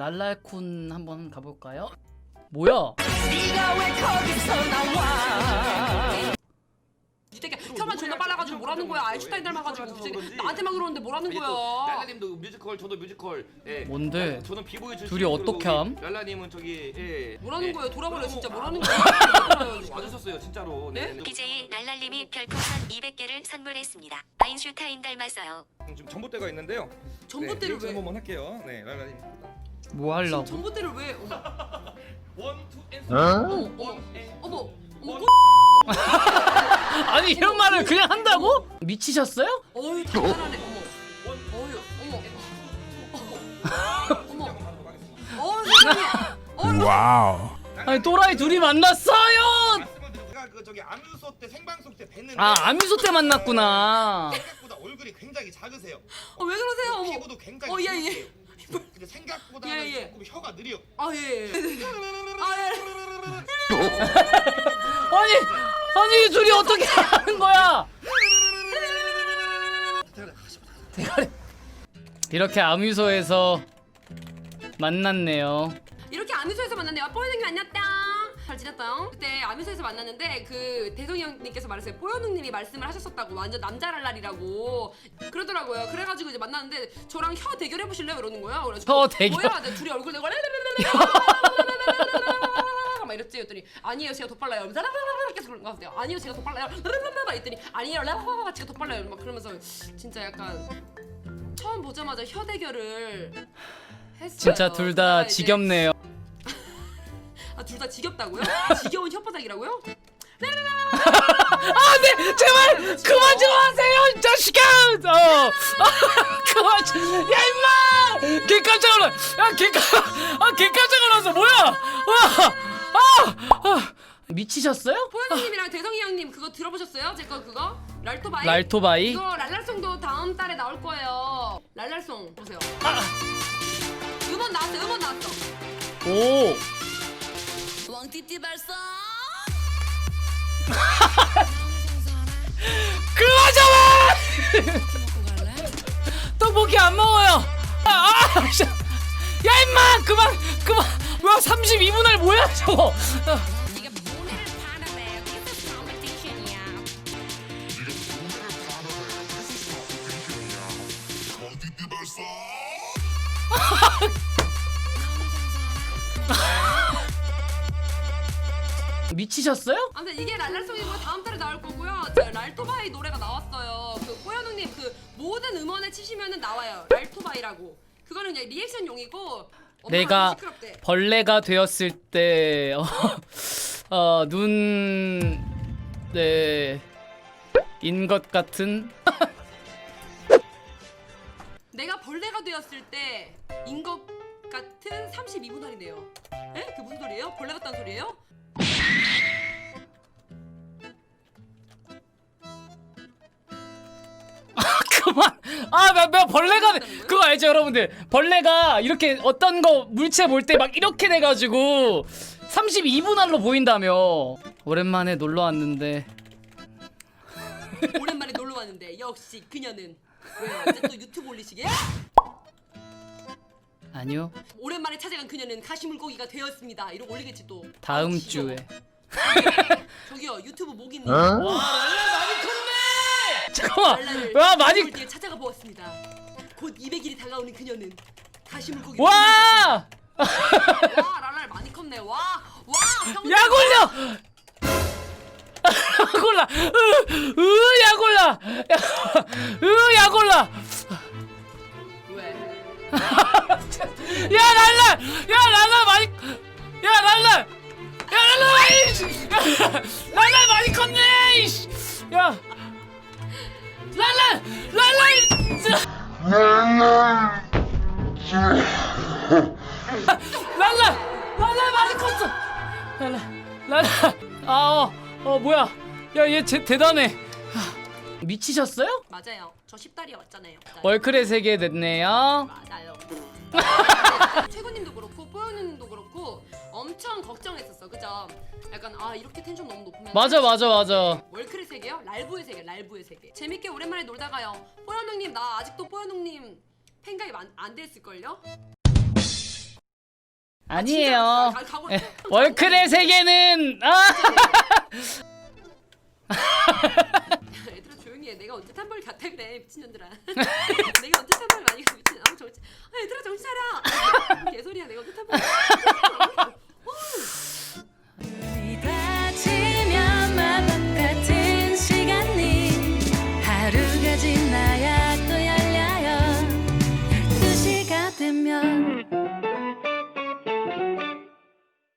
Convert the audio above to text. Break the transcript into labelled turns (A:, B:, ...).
A: 랄랄쿤 한번 가볼까요? 뭐야?
B: 네가 왜 거기서 나와? 이 새끼 혀만 존나 빨라가지고 뭐라는 거야? 아인슈타인 닮아가지고 나한테만 그러는데 뭐라는 거야?
C: 랄라님도 뮤지컬, 저도 뮤지컬. 예.
A: 뭔데?
C: 저는 비보이 출신.
A: 둘이 어떻게 함?
C: 랄라님은 저기 예.
B: 뭐라는 거예요? 돌아버려 진짜 뭐라는 거야?
C: 와주셨어요 진짜로.
B: 네?
D: BJ 랄랄님이 별풍선 200개를 선물했습니다. 아인슈타인 닮았어요.
C: 지금 전봇대가 있는데요.
B: 전봇대를
C: 네,
B: 왜?
C: 한번 할게요. 네, 랄라님.
A: 뭐 하려고?
B: 전봇대를 왜?
C: 원, 투, 앤
B: 어머
A: 아니 이런 말을 그냥 한다고? 미치셨어요?
B: 어휴 단단하네. 어머 세상에.
E: 와우.
A: 아니 또라이 둘이 만났어요!
F: 제가 그 저기 암유소 때 생방송 때 뵀는데
A: 아 아미소 때 만났구나.
F: 생각보다 얼굴이 굉장히 작으세요.
B: 왜 그러세요? 어머.
F: 피부도 굉장히
B: 예.
F: 좋으세요. 근데 생각보다는
B: 예.
F: 조금 혀가 느려.
B: 예.
A: 아니 둘이 어떻게 하는 거야? 대가리. 이렇게 아미소에서 만났네요.
B: 이렇게 아미소에서 만났네요. 뽀여능님 안녕땅. 잘 지냈다. 그때 아미소에서 만났는데 그 대성이 형님께서 말했어요. 뽀여능님이 말씀을 하셨었다고. 완전 남자랄랄이라고 그러더라고요. 그래가지고 이제 만났는데 저랑 혀 대결 해보실래요? 이러는 거야. 그래가지고
A: 혀 대결?
B: 뭐야? 둘이 얼굴 대고 막 이랬지. 했더니 아니에요 제가 더 빨라요. 계속 그런 거 같아요. 아니에요 제가 더 빨라요. 했더니 아니에요 제가 더 빨라요. 막 그러면서 진짜 약간 처음 보자마자 혀 대결을 했어요.
A: 진짜 둘 다
B: 그러다가 이제
A: 지겹네요.
B: 둘 다 지겹다고요? 지겨운 혓바닥이라고요?
A: 네 제발 그만 좀 하세요 이 자식아. 그만 좀. 야 임마. 개 깜짝 놀라. 개 깜짝 놀랐어. 뭐야? 미치셨어요?
B: 포현님이랑 대성이 형님 그거 들어보셨어요? 제 거 그거? 랄토바이?
A: 랄토바이?
B: 이거 랄랄송도 다음 달에 나올 거예요. 랄랄송 보세요. 음원 나왔어.
A: 오.
B: 왕띠띠 발사.
A: 그만 좀. 떡볶이 안 먹어요. 야 임마 그만. 뭐야 32분할 뭐야 저거.
B: 네가 문을 파는데 This competition이야.
A: 미치셨어요?
B: 아무튼 이게 랄랄송이고 다음 달에 나올 거고요. 저 랄토바이 노래가 나왔어요. 그 뽀현웅님 그 모든 음원에 치시면은 나와요. 랄토바이라고. 그거는 그냥 리액션용이고.
A: 내가
B: 시끄럽대.
A: 벌레가 되었을 때 눈 네. 인 것 같은.
B: 내가 벌레가 되었을 때 인 것 같은 32분 할이네요. 에? 그게 무슨 소리예요? 벌레 같다는 소리예요?
A: 그만. 나 벌레가 그거 알죠 여러분들? 벌레가 이렇게 어떤 거 물체 볼 때 막 이렇게 돼가지고 32분할로 보인다며. 오랜만에 놀러 왔는데.
B: 오랜만에 놀러 왔는데 역시 그녀는 왜요? 이제 또 유튜브 올리시게?
A: 아니요.
B: 오랜만에 찾아간 그녀는 가시물고기가 되었습니다. 이러고 올리겠지 또.
A: 다음
B: 아, 지겨워.
A: 주에.
B: 저기요 유튜브 목이님.
A: 와 랄라 많이 컸네. 잠깐만.
B: 랄라를
A: 와 많이.
B: 뒤에 찾아가 보았습니다. 곧 200일이 다가오는 그녀는 가시물고기.
A: 와.
B: 와 랄랄 많이 컸네. 와.
A: 약 올려. 약 올라. 약 올라. 약 올라.
B: 왜?
A: 야 랄라 많이. 야 랄라 많이 컸네. 이씨. 야 랄라 많이 컸어. 랄라 뭐야. 야 얘 대단해. 미치셨어요?
B: 맞아요. 저 10달이 왔잖아요.
A: 월클의 세계 됐네요.
B: 맞아요. 최군님도 그렇고 뽀연님도 그렇고 엄청 걱정했었어, 그죠? 약간 이렇게 텐션 너무 높으면
A: 맞아.
B: 월클의 세계요? 랄부의 세계. 재밌게 오랜만에 놀다가요. 뽀연웅님 나 아직도 뽀연웅님 팬가입 안 됐을걸요?
A: 아니에요.
B: 가- 가고-
A: 예, 월클의 세계는
B: 얘들아 조용히 해. 내가 언제 탐벌 같아 그래 미친년들아. 내가 언제 탐벌 많이 가 미친. 얘들아 정신 차려. 개소리야 내가 언제 탐벌.